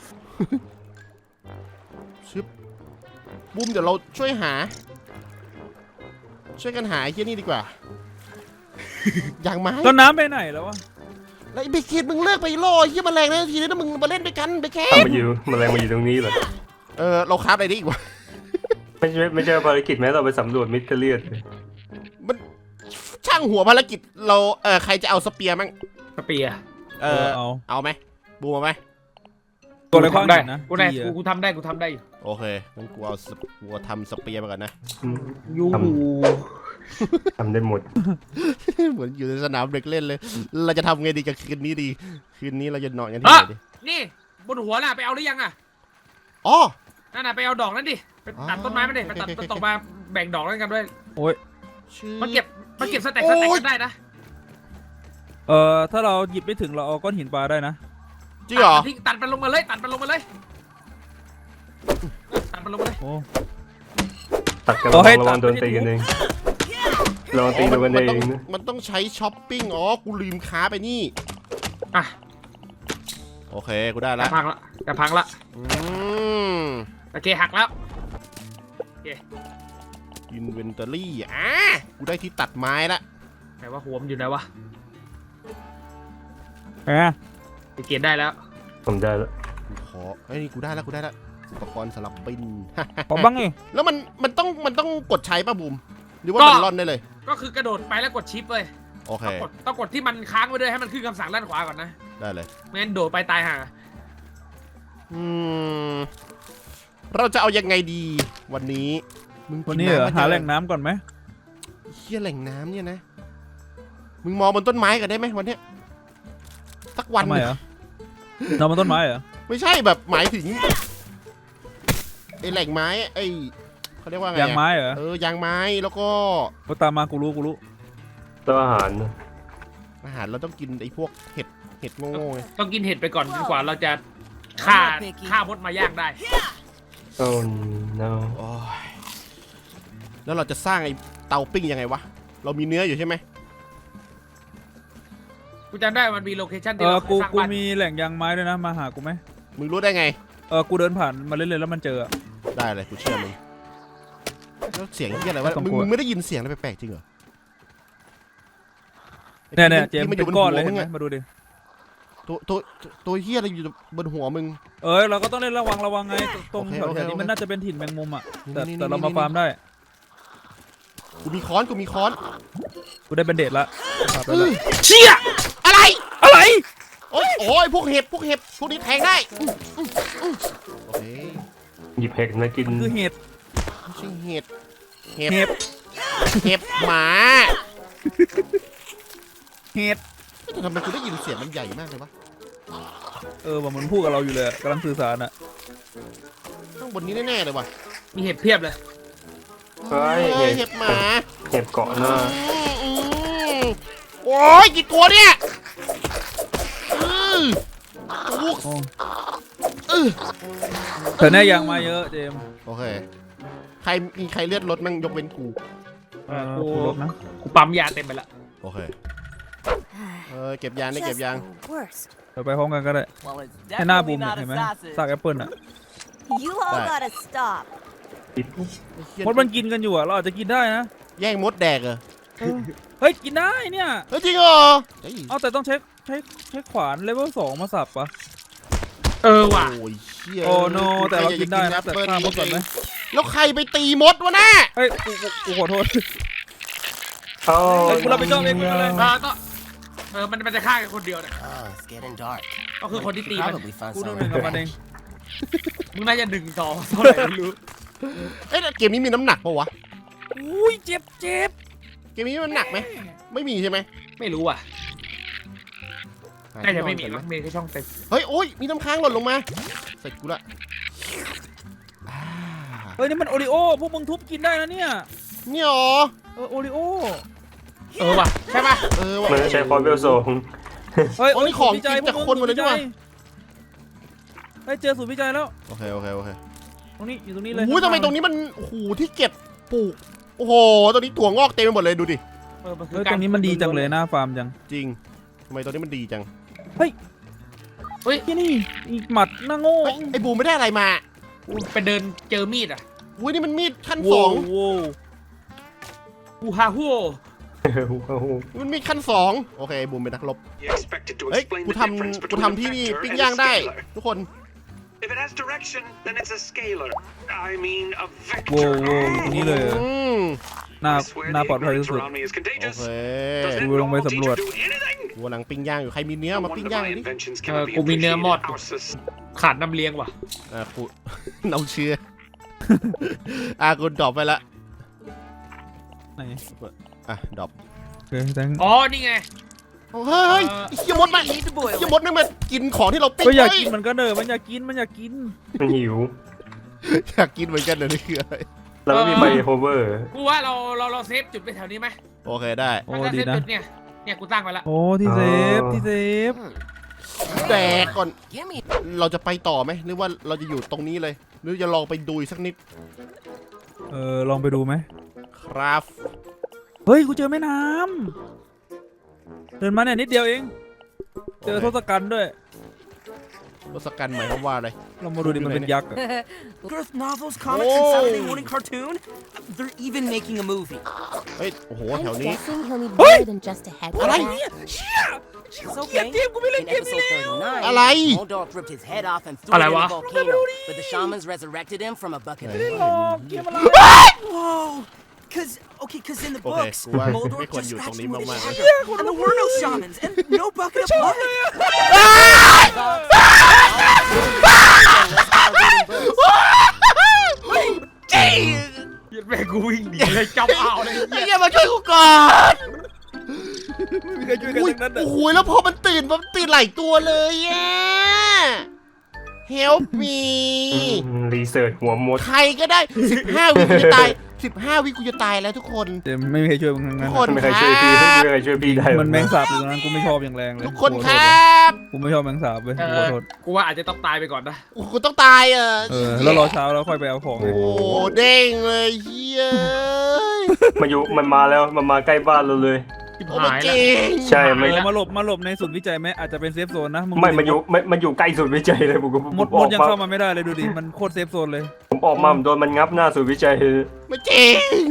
Speaker 1: ชึบบูมเดี๋ยวเราช่วยหา ช่วยกันหาไอ้เหี้ยนี่ดีกว่า อย่างไม้
Speaker 3: ต้นน้ำไปไหนแล้ววะ
Speaker 1: แล้วไอ้เบคเกตมึงเลิกไปล่อไอ้เหี้ยแมลงนะทีนี้นะมึงมาเล่นด้วยกันเบคเก
Speaker 4: ทำ
Speaker 1: ต
Speaker 4: มาอยู่แมลงมาอยู่ตรงนี้เหรอ
Speaker 1: เออเราคราฟอะไรได้อีกวะ
Speaker 4: ไม่ใช่ไม่ใช่ภารกิจแม้เราไปสำรวจมิสเตอร์เลียน
Speaker 1: มันช่างหัวภารกิจเราเออใครจะเอาสเปียร์มั้ง
Speaker 2: สเปียร์
Speaker 1: เอ
Speaker 3: เอ
Speaker 1: อ
Speaker 3: อเอา
Speaker 1: เอาไหมบูมเอาไหม
Speaker 3: ตัวอะไรขว้าง
Speaker 2: ได้
Speaker 3: หินนะ
Speaker 2: กูได้
Speaker 3: จี้อะ
Speaker 2: กูกูทำได้กูทำได้อยู่
Speaker 1: โอเคงั้นกูเอาสเปกูเอาทำสเปียร์มาก่อนนะ
Speaker 2: ยู
Speaker 4: ทำทำได้หมด
Speaker 1: เหมือนอยู่ในสนามเด็กเล่นเลย เราจะทำไงดีกับคืนนี้ดี คืนนี้เราจะนอนกันที่ไหนดี
Speaker 2: นี่บนหัวน่ะไปเอาหรือยังอ่ะ
Speaker 1: อ๋อ
Speaker 2: นั่นน่ะไปเอาดอกนั่นดิไปตัดต้นไม้มันดิไปตัด
Speaker 1: โอเคโอเค
Speaker 2: ต้นตกมาแบ่งดอกนั้นกันด้วย
Speaker 3: โอ้ย
Speaker 1: ชื่อ
Speaker 2: มันเก็บมันเก็บสแต็กสแต็กกันได้นะ
Speaker 3: เออถ้าเราหยิบไม่ถึงเราเอาก้อนหินปลาได้นะ
Speaker 1: จริงเหรอ
Speaker 2: ตัดมันทิ้งตัดมันลงมาเลยตัดมันลงมาเลยตัดมันลงมาเลย
Speaker 3: โอ้
Speaker 4: ตัดกัน
Speaker 3: เอา
Speaker 4: ระ
Speaker 3: ให้
Speaker 4: วังระวัง
Speaker 3: ตัด
Speaker 4: โดน
Speaker 3: ไม่
Speaker 4: ตี
Speaker 3: ได้
Speaker 4: กันเองระวังตี
Speaker 1: อ๋อ
Speaker 4: โดนกัน
Speaker 1: มั
Speaker 4: เอ
Speaker 1: ต้อง
Speaker 4: งนะ
Speaker 1: มันต้องใช้ช้อปปิ้ง อ๋อ กูลืมค้าไปนี่
Speaker 2: อ่ะ
Speaker 1: โอเค กูได้
Speaker 2: จะ
Speaker 1: ละ
Speaker 2: พังละจะพังละ
Speaker 1: อืม
Speaker 2: โอเคหักแล้ว
Speaker 1: อินเวนทอรี่อ่ะกูได้ที่ตัดไม้ละ
Speaker 2: ไหนว่าหัวมันอยู่ไหนวะ
Speaker 3: แหม
Speaker 2: ไปเกณฑ์ได้แล้ว
Speaker 4: ผมได้แล้ว
Speaker 1: กูขอไอ้ยนี่กูได้ละกูได้ละอุปกรณ์สลับบิน
Speaker 3: ขอบ้างไง
Speaker 1: แล้วมันมันต้องมันต้องกดใช้ป่ะบูม หรือว่ามันร่อนได้เลย
Speaker 2: ก็คือกระโดดไปแล้วกดชิปเลย
Speaker 1: โอเค
Speaker 2: ต้องกดต้องกดที่มันค้างไว้ด้วยให้มันขึ้นคำสั่งด้านขวาก่อนนะ
Speaker 1: ได้เลย
Speaker 2: ไม่งั้นโดดไปตายห่า
Speaker 1: อืม เราจะเอายังไงดี วันนี้ มึง
Speaker 3: วัน
Speaker 1: กิ
Speaker 3: นี้เหรอ
Speaker 1: ำม
Speaker 3: หา
Speaker 1: เยอะ
Speaker 3: แหล่งน้ำก่อนไหม
Speaker 1: เฮียแหล่งน้ำเนี่ยนะ มึงมองบนต้นไม้กันได้ไหมวันเนี้ยสักวัน
Speaker 3: ทำไมเหรอ นอนบนต้นไม้เหรอ
Speaker 1: ไม่ใช่แบบหมายถึงไอแหล่งไม้ไอเขาเรียกว่าไงอะ
Speaker 3: ยางไม้เหรอ
Speaker 1: เออยางไม้แล้วก็
Speaker 3: ก็ตามมากูรู้กูรู้
Speaker 4: ตัวอาหารนะ
Speaker 1: อาหารเราต้องกินไอพวกเห็ดเห็ดโง่ๆไง
Speaker 2: ต้องกินเห็ดไปก่อนจนกว่าเราจะฆ่าฆ่ามดมาย่างได้
Speaker 4: โอ้ no
Speaker 1: โอ้ยแล้วเราจะสร้างไอเตาปิ้งยังไงวะ เรามีเนื้ออยู่ใช่ไหม
Speaker 2: กูจำได้มันมีโลเคชั่น
Speaker 3: เอ
Speaker 2: ที่
Speaker 3: อ
Speaker 2: เรา
Speaker 3: กู
Speaker 2: สร้าง
Speaker 3: กู
Speaker 2: บ้าน
Speaker 3: มีแหล่งยางไม้ด้วยนะมาหากูไหม
Speaker 1: มึงรู้ได้ไง
Speaker 3: เออกูเดินผ่านมาเรื่อยๆแล้วมันเจออะ
Speaker 1: ได้เลยกูเชื่อมึงแล้วเสียงที่อะไรวะ
Speaker 3: ต้อง
Speaker 1: มึง
Speaker 3: กลัว
Speaker 1: มึงไม่ได้ยินเสียงอะไรแปลกๆจริงเหรอ
Speaker 3: เนี่ยเนี่ยเจมส์
Speaker 1: ที่มันอ
Speaker 3: เป็
Speaker 1: ยู่บ
Speaker 3: น
Speaker 1: น
Speaker 3: ก้
Speaker 1: หั
Speaker 3: อน
Speaker 1: ว
Speaker 3: เลย
Speaker 1: มึ
Speaker 3: เห็น
Speaker 1: ง
Speaker 3: ไหม
Speaker 1: อะ
Speaker 3: มาดูดิ
Speaker 1: ตัวตัวตัวเฮียอะไรอยู่บนหัวมึง
Speaker 3: เออเราก็ต้องเล่นระวังระวังไงตรง
Speaker 1: โอเค
Speaker 3: แถว
Speaker 1: โอเค
Speaker 3: ๆนี้
Speaker 1: โอเค
Speaker 3: มันน่าจะเป็นถิ่นแมงมุมอ่ะแต่
Speaker 1: นี่
Speaker 3: แต่
Speaker 1: นี่
Speaker 3: เรามา
Speaker 1: นี่
Speaker 3: ฟาร์มได้
Speaker 1: กูมีค้อนกูมีค้อน
Speaker 3: กูได้เป็นเดทละฟาร์มได้ละ
Speaker 2: เชี่ย
Speaker 1: อะไร
Speaker 3: อะไร
Speaker 1: โอ้ยโอ้ยพวกเห็บพวกเห็บพวกนี้แทงได้อื้ออื้ออื้อโอเค
Speaker 4: หยิบเห็ดมากิน
Speaker 3: คือเห็ด
Speaker 1: ไม่ใช่เห็ดเห็บ
Speaker 3: เห็บ
Speaker 1: เห็บหมา
Speaker 3: เห็ด
Speaker 1: แต่ทำไมกูได้ยินเสียงมันใหญ่มากเลยวะ
Speaker 3: เออว่ามันพูดกับเราอยู่เลยอะกำลังสื่อสารอ่ะ
Speaker 1: ข้างบนนี้แน่ๆเลยวะ
Speaker 2: มีเห็ดเพียบเลย
Speaker 4: เฮ้ย
Speaker 1: เฮ้
Speaker 4: เห็
Speaker 1: ย
Speaker 4: ด
Speaker 1: เห็บหมา
Speaker 4: เห็ดเกาะหน้า
Speaker 1: อืมอืมโอ้ยกี่ตัวเนี่ยอือลูก
Speaker 3: โอ้
Speaker 1: อือ
Speaker 3: เธอแน่ยางมาเยอะเจมส์
Speaker 1: โอเคใครมีใครเลือดลดมั่งยกเว้นกู
Speaker 3: เออ
Speaker 2: กู
Speaker 3: กูลบนะ
Speaker 2: กูปั๊มยาเต็มไปละ
Speaker 1: โอเคเออเก็บยางได้เก็บ
Speaker 5: Just
Speaker 1: ยาง
Speaker 5: the worst.
Speaker 3: เดี๋ยวไปพร้อมกันก็ได้
Speaker 6: Well, it's
Speaker 3: ให้หน้าบูม
Speaker 6: definitely
Speaker 3: เนี่ย
Speaker 6: not
Speaker 3: เห็นไหม
Speaker 6: a sausage.
Speaker 3: ซากแอปเปิลอ่ะ
Speaker 5: You all
Speaker 1: Right.
Speaker 5: gotta stop.
Speaker 3: มดมันกินกันอยู่อ่ะเราอาจจะกินได้นะ
Speaker 1: แย่งมดแดกเหรอ
Speaker 3: เฮ้ยกินได้เนี่ย
Speaker 1: เฮ้ยจริงเหรอเฮ้ย
Speaker 3: เอาแต่ต้องใช้ใช้ใช้ขวานเลเวลสองมาสับปะ
Speaker 2: เออว่ะ
Speaker 1: โอ้ยเชี่ย
Speaker 3: โอ้โนแต่เรากินได้นะ
Speaker 1: ใคร
Speaker 3: แต่
Speaker 1: จกิ
Speaker 3: ฆ่ามดก่อนไหม
Speaker 1: แล้วใครไปตีมดวะน่ะ
Speaker 3: เฮ้ยกูกูกูขอโทษ
Speaker 4: เอา
Speaker 3: เฮ้ยกูรับผิดชอบเองมึงอะไร
Speaker 2: เออก็เออมันมันจะฆ่ากันคนเดียวเนี่ย
Speaker 6: Oh, it's getting dark.
Speaker 2: ก็คือคนที่ตีมัน
Speaker 6: Probably found
Speaker 3: กูต้องห
Speaker 6: something.
Speaker 3: นึ่งกับมันเอง
Speaker 2: มึงน่าจะหนึ่งสองเท่าไหร่ไม่รู้
Speaker 1: เอ้ยเกมนี้มีน้ำหนักปะวะ
Speaker 3: อุ้ยเจ็บเจ็บ
Speaker 1: เกมนี้มันหนักไหมไม่มีใช่ไหม
Speaker 2: ไม่รู้อ่ะน่าจะไม่มีมั้งมีแค่ช่องเต็ม
Speaker 1: เฮ้ยโอ้ยมีน้ำค้างหล่นลงมาเสร็จกูละอ่า
Speaker 3: เฮ้ยนี่มันโอริโอพวกมึงทุบกินได้นะเนี่ย
Speaker 1: เนี่ยเหรอ
Speaker 3: เออโอริโอ
Speaker 2: เออว่ะใช่ป่ะ
Speaker 1: เออว่ะ
Speaker 4: มันจะใช้คอร์เวลโซง
Speaker 3: เฮ้ย
Speaker 1: โอ้ยของกินจากคนหมดเลย
Speaker 3: สูตร
Speaker 1: ด้วย
Speaker 3: เฮ้ยเจอสูตรวิจัยแล้ว
Speaker 1: โอเคโอเคโอเค
Speaker 3: ตรงนี้อยู่ตรงนี้เลย
Speaker 1: โอ้ยทำไมตรงนี้มันโอ้โหที่เก็บปลูกโอ้โหตรงนี้ถั่วงอกเต็มไปหมดเลยดูดิ
Speaker 2: เออมันคื
Speaker 3: เฮ้
Speaker 2: อย
Speaker 3: ตรงนี้มันดีจังเลยหน้าฟาร์มจัง
Speaker 1: จริงทำไมตรงนี้มันดีจัง
Speaker 2: เฮ้ย
Speaker 3: ที่นี่อีกหมัดหน้าโง่
Speaker 1: เฮ้ยไอ้บูมไม่ได้อะไรมา
Speaker 2: กูไปเดินเจอมีดอ่ะ
Speaker 1: อุ้ยนี่มันมีดขั้นส
Speaker 3: โว้
Speaker 1: อง
Speaker 3: โว้
Speaker 2: กูฮาฮัว
Speaker 1: มันมีขั้นสองโอเคบูมเป็นนักรบ
Speaker 7: You expected to
Speaker 1: เฮ้ย
Speaker 7: explain
Speaker 1: กู
Speaker 7: the
Speaker 1: ท
Speaker 7: difference
Speaker 1: ำกู
Speaker 7: between
Speaker 1: ทำที่
Speaker 7: a
Speaker 1: นี่
Speaker 7: vector
Speaker 1: ปิ้ง
Speaker 7: and
Speaker 1: ย่าง
Speaker 7: a
Speaker 1: ได้
Speaker 7: scalar.
Speaker 1: ทุกคน
Speaker 7: If it has direction, then it's a scalar. I mean a
Speaker 3: โว้
Speaker 7: vector.
Speaker 3: โว้ตรงนี้เลยเหรอ
Speaker 1: อืม
Speaker 3: หน้า
Speaker 7: I swear
Speaker 3: หน้า
Speaker 7: the
Speaker 3: ปลอดภัยที่
Speaker 7: ignorance
Speaker 3: สุด
Speaker 7: around me is
Speaker 1: โอ
Speaker 7: contagious.
Speaker 1: เค
Speaker 7: Does
Speaker 3: กู
Speaker 7: it
Speaker 3: ลงไป
Speaker 7: not teach
Speaker 3: สำรวจ
Speaker 7: you to do anything?
Speaker 1: กูกำลังปิ้งย่างอยู่ใครมีเนื้อ
Speaker 7: No
Speaker 1: มา
Speaker 7: wonder
Speaker 1: ปิ้งย่าง
Speaker 7: my
Speaker 1: ดิ
Speaker 7: inventions
Speaker 2: เออ
Speaker 7: cannot be
Speaker 2: กูมีเนื้อหมด
Speaker 7: appreciated. Our sus-
Speaker 2: ขาดน้ำเลี้ยงว่ะ
Speaker 1: อ่ากู เราเชื่ออ่ะกูดรอปไปละ
Speaker 3: ไหน
Speaker 1: อ่ะดรอป
Speaker 3: โอเคแตง
Speaker 2: อ๋อนี่ไง
Speaker 1: เฮ้ยเฮ้ย
Speaker 2: เออ
Speaker 1: ไอ้เหี้ยมดมาไอ้เหี้ยมดนั่นมากินของที่เราปิ้ง
Speaker 3: ก็อยาก
Speaker 1: เฮ้
Speaker 3: กินมันก็เนอะมันอยากกินมันอยากกิน
Speaker 4: มันหิว
Speaker 1: อยากกินเหมือนกันเลยนี่คืออะไร
Speaker 4: เราไม่มีใบโฮเวอร์
Speaker 2: กูว่าเราเราเราเซฟจุดไปแถวนี้ไหม
Speaker 1: โอเคได้
Speaker 3: โอ้
Speaker 2: ถ้า
Speaker 3: ดี
Speaker 2: เซฟ
Speaker 3: นะ
Speaker 2: จุดเนี่ยเนี่ยกูตั้งไว้ละ
Speaker 3: โอ้ที่เซฟที่เซฟ
Speaker 1: แดกก่อน
Speaker 6: Give me
Speaker 1: เราจะไปต่อไหมหรือว่าเราจะอยู่ตรงนี้เลย หรือจะลองไปดูอีกสักนิด
Speaker 3: เออลองไปดูไหม
Speaker 1: ครับ
Speaker 3: เฮ้ยกูเจอแม่น้ำเดินมาเนี่ยนิดเดียวเอง เจอทศกัณฐ์ด้วย
Speaker 1: ทศกัณฐ์หมายความว่าอะไร
Speaker 3: เรามาดูดิมันเป็นยักษ์อะ
Speaker 6: Earth novels, comics, and Saturday morning cartoon. They're even making a movie.
Speaker 1: เฮ้ยโอ้โห
Speaker 5: I'm
Speaker 1: แถวนี้
Speaker 5: guessing he'll need more than just a head for
Speaker 1: อะไร?
Speaker 5: that.
Speaker 6: It's okay. In episode thirty-nine,
Speaker 1: อะไร
Speaker 6: Moldorf ripped his head off and threw
Speaker 2: อะไร
Speaker 6: it in
Speaker 2: วะ
Speaker 6: a volcano, but the shamans resurrected him from a bucket of
Speaker 3: ไม่ได้หร
Speaker 6: blood.
Speaker 3: อกเกมอะไร
Speaker 6: Whoa! Cause okay, cause in the
Speaker 1: Okay,
Speaker 6: books,
Speaker 1: กูว่า
Speaker 6: Moldorf
Speaker 1: ไม่ควร
Speaker 6: just
Speaker 1: อยู่ตรง
Speaker 6: scratched
Speaker 1: นี้
Speaker 6: him with
Speaker 1: มาก
Speaker 6: his
Speaker 1: ๆ
Speaker 6: dagger, and there were no shamans and no bucket of blood.
Speaker 2: เหี้ยแม่งกูวิ่งหนีเลยจับเอาเลย
Speaker 1: ไอ้เหี้ยมาช่วยกูก่อน
Speaker 3: ไม่มีใครช่วยกัน
Speaker 1: อุ้ย
Speaker 3: ทั้งนั้นอะ
Speaker 1: โอ้โหแล้วพอมันตื่นมันตื่นหลายตัวเลยอ่ะ Help me
Speaker 4: รีเสิร์ชหัวมด
Speaker 1: ใครก็ได้สิบห้าวิกูจะตายสิบห้าวิกูจะตายแล้วทุกคน
Speaker 3: เจมไม่มีใครช่วยมึงทั้ง
Speaker 1: ทุ
Speaker 3: นั้
Speaker 1: ก
Speaker 3: น
Speaker 1: คน
Speaker 4: ไม่
Speaker 1: ค
Speaker 4: มีใคร
Speaker 1: รั
Speaker 4: ช่วยพี่ไม่
Speaker 1: บ
Speaker 4: มีใครช่วยพี่ได้
Speaker 3: มันแมงสาบอยู่ตรงนั้นกูไม่ชอบอย่างแรงเลย
Speaker 1: ทุกคน
Speaker 3: กู
Speaker 1: ค
Speaker 3: ขอ
Speaker 1: ร
Speaker 3: โทษ
Speaker 1: ับ
Speaker 3: กูไม่ชอบแมงสาบเว้ย
Speaker 2: เอ
Speaker 3: กูขอ
Speaker 2: อ
Speaker 3: โทษ
Speaker 2: กูว่าอาจจะต้องตายไปก่อนนะ
Speaker 1: โอ้โหกูต้องตายอ่ะ
Speaker 3: เออแล้วรอเช้าแล้วค่อยไปเอาของ
Speaker 4: โอ้
Speaker 1: โอ้โหเด้งเลยเฮีย
Speaker 4: มาอยู่มันมาแล้วมันมาใกล้บ้านเราเลย
Speaker 2: ชิบ
Speaker 1: โอ้
Speaker 2: หาย
Speaker 1: เจ
Speaker 2: แล้ว
Speaker 1: ง
Speaker 4: ใช่
Speaker 3: เอ
Speaker 4: ไม่
Speaker 3: อมาหลบมาหลบในศูนย์วิจัยไหมอาจจะเป็นเซฟโซนนะง
Speaker 4: ไม่มาอยู่ไม่มันอยู่ใกล้สุดวิจัยเลยผมก็
Speaker 3: มด
Speaker 4: ผม
Speaker 3: ม
Speaker 4: อ
Speaker 3: ด
Speaker 4: อก
Speaker 3: ยัง
Speaker 4: มา
Speaker 3: เข้ามาไม่ได้เลยดูดิมันโคตรเซฟโซนเลย
Speaker 4: ผมออกมาผมโดนมันงับหน้าสุดวิจัย
Speaker 1: ไม่เจง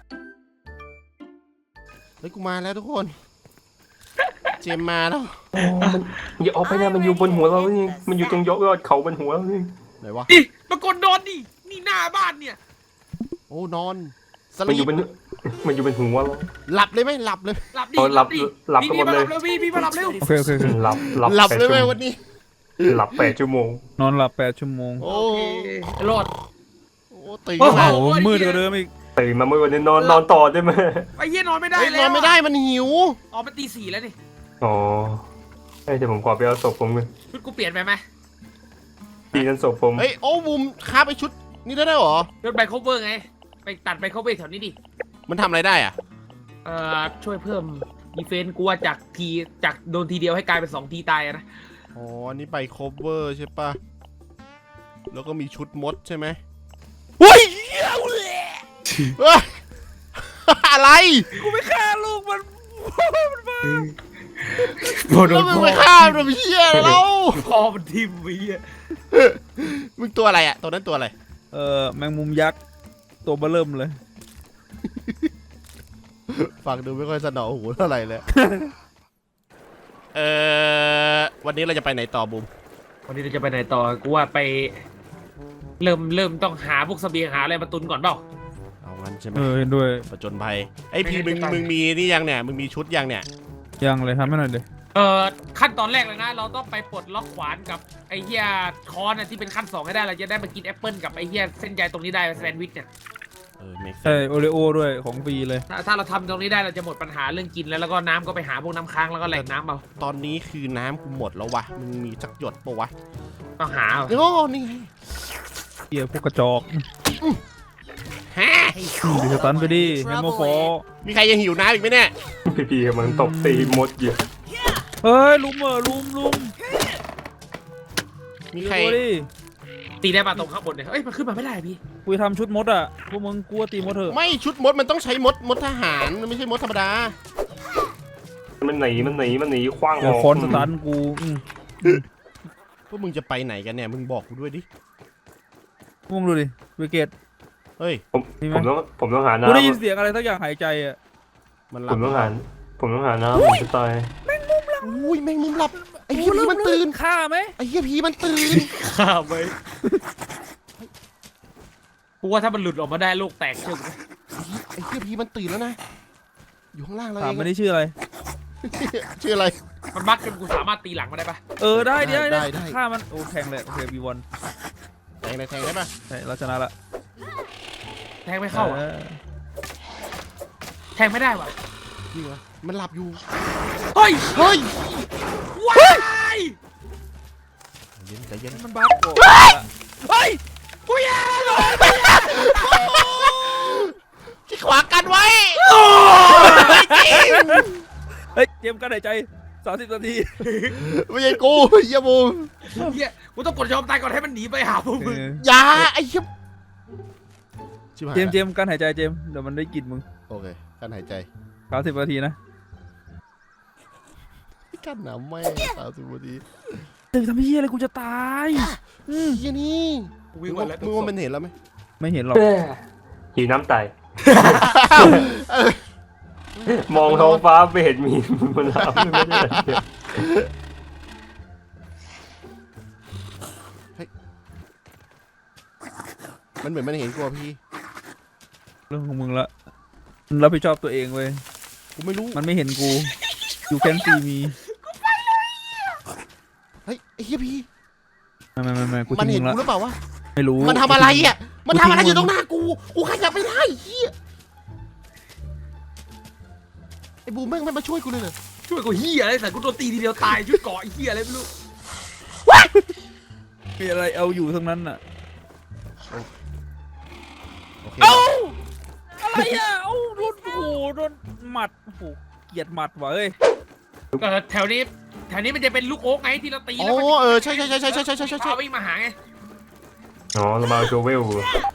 Speaker 1: เฮ้ยกูมาแล้วทุกคน เจมมาแล้ว
Speaker 4: อย่าออกไปนะมันอยู่บนหัวเรานี่มันอยู่ตรงยอดยอดเขาบนหัวเรานี่
Speaker 1: ไหนวะ
Speaker 2: ดิปรากฏโดนดินี่หน้าบ้านเนี่ย
Speaker 1: โอ้นอนส
Speaker 4: มันอ
Speaker 1: ลี
Speaker 4: ยู่
Speaker 1: ป
Speaker 4: บนมันอยู่บนหัวเรา
Speaker 1: หลับเลยไหมหลับเลย
Speaker 2: หลับดิ
Speaker 4: เอาหลับ
Speaker 2: ดิ
Speaker 4: หลับ
Speaker 2: พี่
Speaker 4: กันหมดเลย
Speaker 2: พี่พี่มาหลับเร็ว
Speaker 3: โอเคโอเคโอเค
Speaker 4: หลับหลับ
Speaker 1: หลับ
Speaker 4: แปด
Speaker 1: เลยไหม
Speaker 4: ชั่วโมง
Speaker 1: วันนี้
Speaker 4: หลับแปดชั่วโมง
Speaker 3: นอนหลับแปดชั่วโมง
Speaker 1: โอ้
Speaker 2: โอเครอด
Speaker 1: โอ้ตื่น
Speaker 2: โอ้
Speaker 1: ขึ้น
Speaker 2: โห
Speaker 1: มา
Speaker 3: โอ้โหมืดกว่าเดิมอีก
Speaker 4: ตื่นมาเมื่อวันนี้นอนนอนต่อได้ไหม
Speaker 2: ไอ้เหี้ยนอนไม่ได้
Speaker 1: เฮ้ย
Speaker 2: แล้
Speaker 1: น
Speaker 2: ว
Speaker 1: อนไม่ได้มันหิว
Speaker 2: อ๋อมันตีสี่แล้วนี่
Speaker 4: อ๋อเอ้ยเดี๋ยวผมขอไปเอาศพผมกัน
Speaker 2: ชุดกูเปลี่ยนไปไหม
Speaker 4: ตีนั้นศพผม
Speaker 1: เฮ้ยโอ้บูมคาบไอชุดนี่ได้ได้วยเหรอ
Speaker 2: รถไบโคเวอร์ไง ไปตัดไบโคเวอร์แถวนี้ดิ
Speaker 1: มันทำอะไรได้อ่ะ
Speaker 2: เอ่อช่วยเพิ่มดีเฟนต์กูว่าจากทีจากโดนทีเดียวให้กลายเป็นสองทีตายอะนะ
Speaker 1: อ๋ออันนี่ใบโคเวอร์ใช่ปะแล้วก็มีชุดมดใช่ไหมเฮ้ยเหี้ยเฮ้ย อะไร
Speaker 3: กูไม่ฆ่าลูกมัน
Speaker 2: โดน
Speaker 1: แล้วมึง
Speaker 2: พ่อ
Speaker 1: ไปฆ่ามันเหี้ยอะไรแล้ว
Speaker 2: พ่อมันทิ่มไอ้เหี้ย
Speaker 1: มึงตัวอะไรอะตัวนั้นตัวอะไร
Speaker 3: เออแมงมุมยักษ์ตัวเบ้อเริ่มเลย
Speaker 1: ฟังดูไม่ค่อยสนอหูเท่าไหร่เลย เออวันนี้เราจะไปไหนต่อบูม
Speaker 2: วันนี้เราจะไปไหนต่อกูว่าไป เริ่มเริ่มต้องหาพวกเสบียงหาอะไรมาตุนก่อนเปล่า
Speaker 1: เอางั้นใช่ไหม
Speaker 3: เออเห็นด้วย
Speaker 1: ประจนภัยไอ้ยพี่
Speaker 2: ไม่
Speaker 1: มึง
Speaker 2: งั้นจะตาย
Speaker 1: มึงมีนี่ยังเนี่ยมึงมีชุดยังเนี่ย
Speaker 3: ยังเลยทำให้หน่อยเลย
Speaker 2: เอ่อขั้นตอนแรกเลยนะ เราต้องไปปลดล็อกขวานกับไอ้เหี้ยคอนน่ะที่เป็นขั้นสองให้ได้เราจะได้มากินแอปเปิลกับไอ้เหี้ยเส้นใยตรงนี้ได้แซนด์วิชเนี่ย
Speaker 1: เออเมก
Speaker 3: ใช่โอเลโอด้วยของฟรีเลย
Speaker 2: ถ้าถ้าเราทำตรงนี้ได้เราจะหมดปัญหาเรื่องกินแล้วแล้วก็น้ำก็ไปหาพวกน้ำค้างแล้วก็แหล่งน้ำเอา
Speaker 1: ตอนนี้คือน้ำกูหมดแล้ววะมึงมีสักหยดปะวะ
Speaker 2: ต้องหาเอา
Speaker 1: โอ้นี่ไง
Speaker 3: เฮียพวกกระจอก
Speaker 1: ฮะ
Speaker 3: ดูสตันไปดิแฮมเมอร์ฟอ
Speaker 1: มีใครยังหิวน้ำอีกไหมเนี่ย
Speaker 4: พี่พีกำลังตบตีมดอยู่
Speaker 3: เฮ้ยลุมเออลุมลุม
Speaker 1: มีใคร
Speaker 3: ตัวดิ
Speaker 2: ตีได้ปะตรงข้างบนเนี่ยเอ้ยมันขึ้นมาไม่ได้พี่
Speaker 3: กูจะทำชุดมดอ่ะพวกมึงกลัวตีมดเถอะ
Speaker 1: ไม่ชุดมดมันต้องใช้มดมดทหารมันไม่ใช่มดธรรมดา
Speaker 4: มันหนีมันหนีมันหนีคว้างอ
Speaker 3: เดี๋ยว
Speaker 4: อก
Speaker 3: คอนสตันกูอืม
Speaker 1: พวกมึงจะไปไหนกันเนี่ยมึงบอกกูด้วยดิ
Speaker 3: พวกมึงดูดิเวเกต
Speaker 1: เฮ้ย
Speaker 4: ผม
Speaker 3: มีไหม
Speaker 4: ผมต้องผมต้องหา
Speaker 3: กูได้ยิน
Speaker 4: น้ำ
Speaker 3: เสียงอะไรสักอย่างหายใจอ่ะ
Speaker 1: มันห
Speaker 4: ผ
Speaker 1: ลับ
Speaker 4: มต้องหาผมต้องหาน้ำผมจะตาย
Speaker 1: อุ้ยแมงมุมหลับไอ้เหี้ยผีมันตื่น
Speaker 3: ฆ่าไหม
Speaker 1: ไอ้เหี้ยผีมันตื่น
Speaker 2: ข้าไปกูว่าถ้ามันหลุดออกมาได้โลกแตกเชื่อกู
Speaker 1: ไอ้เหี้ยผีมันตื่นแล้วนะอยู่ข้างล่างเรา
Speaker 3: ถา
Speaker 1: เอ
Speaker 3: ม
Speaker 1: ง
Speaker 3: ไม่ได้ชื่ออะไร
Speaker 1: ชื่ออะไร
Speaker 2: มันบั๊กจนกูสามารถตีหลังมันได้ปะ
Speaker 3: เออได้เดี๋ยว
Speaker 1: ได้
Speaker 3: ได้
Speaker 1: ได้
Speaker 3: ฆ่ามันโอ้แทงเลยโอเคบีวัน
Speaker 1: แทงเลยแทงได้ปะ
Speaker 3: ใช่เราชนะละ
Speaker 2: แทงไม่เข้าอะ
Speaker 3: ออ
Speaker 2: แทงไม่ได้ว่ะ
Speaker 1: จริงเหรอมันหลับอยู่
Speaker 2: เฮ้ย
Speaker 1: เฮ้ย
Speaker 2: ว้าย
Speaker 1: ใจเย็นใจเย็น
Speaker 3: มันบั๊กโอ้เฮ้ย
Speaker 2: กูแย่เลย
Speaker 1: ที่ขวากันไว้
Speaker 3: เฮ้ยเตรียมการหายใจสามสิบนาที
Speaker 1: ไม่ใช่กูเหี้ยบูม
Speaker 2: เฮียกูต้องกดยอมตายก่อนให้มันหนีไปหาพวกมึง
Speaker 1: อย่าไอ้เหี้ยชิบหาย
Speaker 3: เจมส์เจมส์การหายใจเจมส์เดี๋ยวมันได้กลินมึง
Speaker 1: โอเคกันหายใจ
Speaker 3: สามสิบนาทีนะ
Speaker 1: กันหนาวไม่สามสิบนาที
Speaker 3: เจมส์ทำเฮียอะไรกูจะตายอืม
Speaker 1: เหี้ยนี่
Speaker 2: กู
Speaker 1: มึ
Speaker 2: วิ่ง
Speaker 1: ง
Speaker 2: มา
Speaker 1: ว่า
Speaker 2: แล้ว
Speaker 1: มึงว่ามันเห็นแล้วไหม
Speaker 3: ไม่เห็นหรอก
Speaker 4: แม่หิวน้ำตายมองท้องฟ้าไม่เห็นมีมันน้ำไม่ได้เลย
Speaker 1: มันเหมือนมันเห็นกูอะพี่
Speaker 3: เรื่องของมึงละมึงรับผิดชอบตัวเองเว้ย
Speaker 1: กูไม่รู้
Speaker 3: มันไม่เห็นกู you can see me
Speaker 1: เฮ้ยไอ้เหี้ยพี่
Speaker 3: ไม่ไม่ไม่ไม่กู
Speaker 1: มัน
Speaker 3: ทิ้
Speaker 1: เห็
Speaker 3: ง
Speaker 1: น
Speaker 3: มึง
Speaker 1: กูห
Speaker 3: ละ
Speaker 1: รือเปล่าวะ
Speaker 3: ไม่รู้
Speaker 1: มันทำอะไรอ่ะมันทำอะไร
Speaker 3: กูทิ้ง
Speaker 1: อยู่ตรงหน้ากูกูขยับไม่ได้เหี้ยไอ้บูมแม่งไม่มาช่วยกูเลยเหรอ
Speaker 2: ช่วยกูเฮียอะไรแต่กูโดนตีทีเดียวตายชุดเกาะไอ้เฮียอะไรไม่รู้
Speaker 3: มีอะไรเอาอยู่ทั้งนั้นน่ะ
Speaker 1: โอเค
Speaker 3: เอ้าอะไรอ่ะเอ้าโดนโอ้โหโดนหมัดโอ้โหเกลียดหมัดว่ะเอ้ย
Speaker 2: เออแถวนี้แถวนี้มันจะเป็นลูกโอ๊กไงที่เราตี
Speaker 1: อ๋
Speaker 2: แล้วมัน
Speaker 1: อเออใช่ใช่ใช่ใช่ใช่ใช่ใช่ใช่
Speaker 2: เอาวิ่งมาหาไง
Speaker 4: อ๋อเรามาโจเวล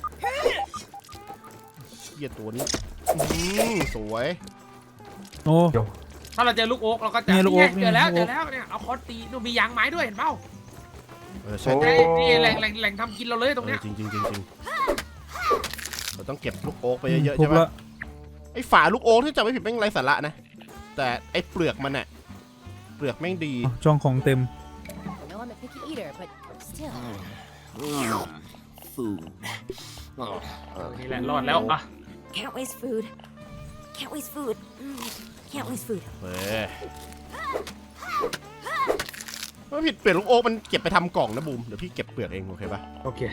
Speaker 1: เหี้ยตัวนี้อืมสวย
Speaker 3: โอ้
Speaker 2: ถ้าเราเจอลูกโอ๊กเราก็จะ
Speaker 3: เนี่ยลูกโอ๊ก
Speaker 2: เจอแล้ว
Speaker 3: เนี่ย
Speaker 2: เจอแล้วเนี่ยเอาคอนตีนู่นมียางไม้ด้วยเห็นเปล่า
Speaker 1: เออใช่
Speaker 4: โอ้
Speaker 2: ไอ้นี่แหล่งแหล่งแหล่งทำกินเราเลยตรงเนี้ย
Speaker 1: จริงจริงจริงจริงเราต้องเก็บลูกโอ๊กไปเยอะๆ
Speaker 3: ทุ
Speaker 1: ใช่
Speaker 3: บ
Speaker 1: ปะ
Speaker 3: ละ
Speaker 1: ไอ้ฝาลูกโอ๊กที่จำไม่ผิดแม่งไรสาระนะแต่ไอ้เปลือกมันอะเปลือกแม่งดี
Speaker 3: อ๋อช่องของเต็ม
Speaker 5: I know I'm a picky eater, but still.
Speaker 2: นี่แหละรอดแล้วอ่ะ
Speaker 5: Can't waste food. Can't waste food. Mm, Can't waste food.
Speaker 1: เฮ้ยไม่ผิดเปลือกลูกโอ๊กมันเก็บไปทำกล่องนะบูมเดี๋ยวพี่เก็บเปลือกเองโอเคปะ
Speaker 2: โอเค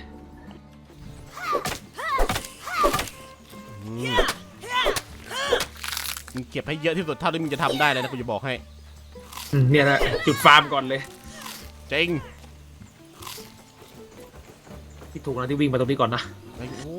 Speaker 1: อืมมึงเก็บให้เยอะที่สุดเท่าที่มึงจะทำได้เลยนะกูจะบอกให้
Speaker 2: อืมเนี่ยแหละจุดฟาร์มก่อนเลย
Speaker 1: จริง
Speaker 2: ที่ถูกนะที่วิ่งมาตรงนี้ก่อนนะ
Speaker 1: ไอ้โอ้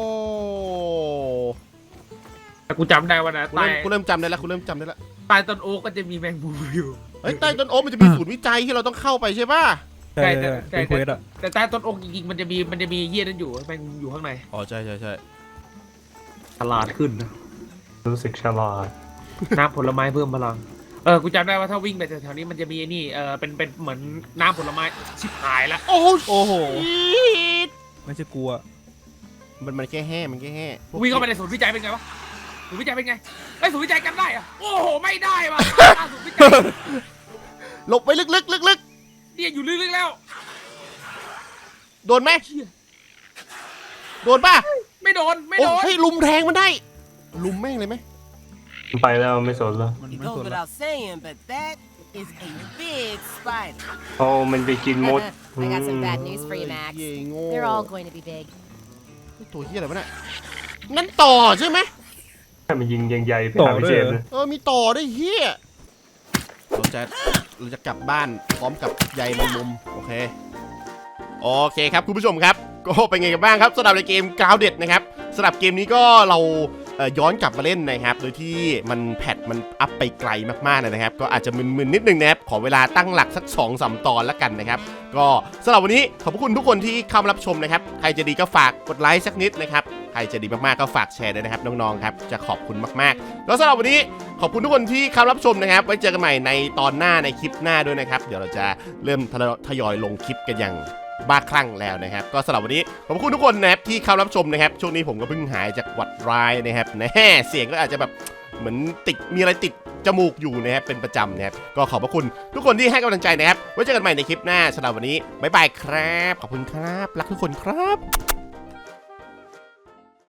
Speaker 2: แต่กูจำได้ว่านะ
Speaker 1: กู
Speaker 2: ใต้
Speaker 1: เริ่มกูเริ่มจำได้แล้วกูเริ่มจำได้แล้ว
Speaker 2: ใต้ต้นโอ๊กก็จะมีแมงมุมอยู่
Speaker 1: เฮ้ยใต้ต้นโอ๊กมันจะมีศูนย์วิจัยที่เราต้องเข้าไปใช่ป่ะ
Speaker 3: ใช่
Speaker 2: ใช่
Speaker 3: ใช่
Speaker 2: ใช่
Speaker 3: เป็นเควสอ่ะ
Speaker 2: แต่ใต้ต้นโอ๊กจริงๆมันจะมีมันจะมีเยี่ยนั่นอยู่แมงมุมอยู่ข้างใน
Speaker 1: อ๋อใช่ใช่ใช่
Speaker 2: ฉลาดขึ้นนะ
Speaker 4: รู้สึกฉลาด
Speaker 2: น้ำผลไม้เพิ่มพลังเออกูจำได้ว่าถ้าวิ่งไปแถวๆนี้มันจะมีไอ้นี่เออเป็นเป็นเหมือนน้ำผลไม้ชิบหายละ
Speaker 1: โอ้โห
Speaker 3: โอ้โห ไม่ใช่กลัว
Speaker 1: มันมันแค่แห่มันแค่แห่
Speaker 2: วิ่งเข้าไปในศูนย์วิจัยเป็นไงวะศูนย์วิจัยเป็นไงไอ้ยศูนย์วิจัยกันได้อะโอ้โหไม่ได้ว่ะศูนย์วิจัย
Speaker 1: หลบไปลึกๆลึก
Speaker 2: เนี่ยอยู่ลึกๆแล้ว
Speaker 1: ๆโดนไหมโดนป่ะ
Speaker 2: ไม่โดนไม่
Speaker 1: โอ้
Speaker 2: โดน
Speaker 1: ให้ยลุมแทงมันได้ ลุมแม่งเลยไหม
Speaker 4: ไปแล้วไม่สนแล้ว
Speaker 3: มัน
Speaker 6: It
Speaker 3: ไม่
Speaker 6: goes
Speaker 3: สนละ
Speaker 6: without saying, but that is a big spider.
Speaker 4: โอ้มันไปกินมด
Speaker 5: I got some bad news for you, Max.
Speaker 1: เย้โง่
Speaker 5: They're all going to be big.
Speaker 1: ตัวเฮียอะไรวะเนี่ยนั่นต่อใช่ไหม
Speaker 4: ให้มันยิงยังใหญ่ไป
Speaker 3: ต่อ
Speaker 4: หา
Speaker 3: ด้วย
Speaker 4: เจม
Speaker 3: เหรอ
Speaker 4: เลย
Speaker 1: เออมีต่อด้วยเฮียเราจะเราจะกลับบ้านพร้อมกับใยแมงมุมโอเคโอเคครับคุณผู้ชมครับก็เป็นไงกันบ้างครับสำหรับในเกม Grounded นะครับสำหรับเกมนี้ก็เราเอ่อย้อนกลับมาเล่นนะครับโดยที่มันแพทมันอัพไปไกลมากๆเลยนะครับก็อาจจะมึนๆนิดนึงนะครับขอเวลาตั้งหลักสัก สองสาม ตอนแล้วกันนะครับก็สำหรับวันนี้ขอบพระคุณทุกคนที่เข้ามารับชมนะครับใครจะดีก็ฝากกดไลค์สักนิดนะครับใครจะดีมากๆก็ฝากแชร์ด้วยนะครับน้องๆครับจะขอบคุณมากๆแล้วสำหรับวันนี้ขอบคุณทุกคนที่เข้ารับชมนะครับไว้เจอกันใหม่ในตอนหน้าในคลิปหน้าด้วยนะครับเดี๋ยวเราจะเริ่มทยอยลงคลิปกันอย่างบ้าคลั่งแล้วนะครับก็สำหรับวันนี้ขอบคุณทุกคนนะครับที่เข้ารับชมนะครับช่วงนี้ผมก็เพิ่งหายจากหวัดร้ายนะครับแน่เสียงก็อาจจะแบบเหมือนติดมีอะไรติดจมูกอยู่นะครับเป็นประจำนะครับก็ขอบพระคุณทุกคนที่ให้กำลังใจนะครับไว้เจอกันใหม่ในคลิปหน้าสำหรับวันนี้บ๊ายบายครับขอบคุณครับรักทุกคนครับ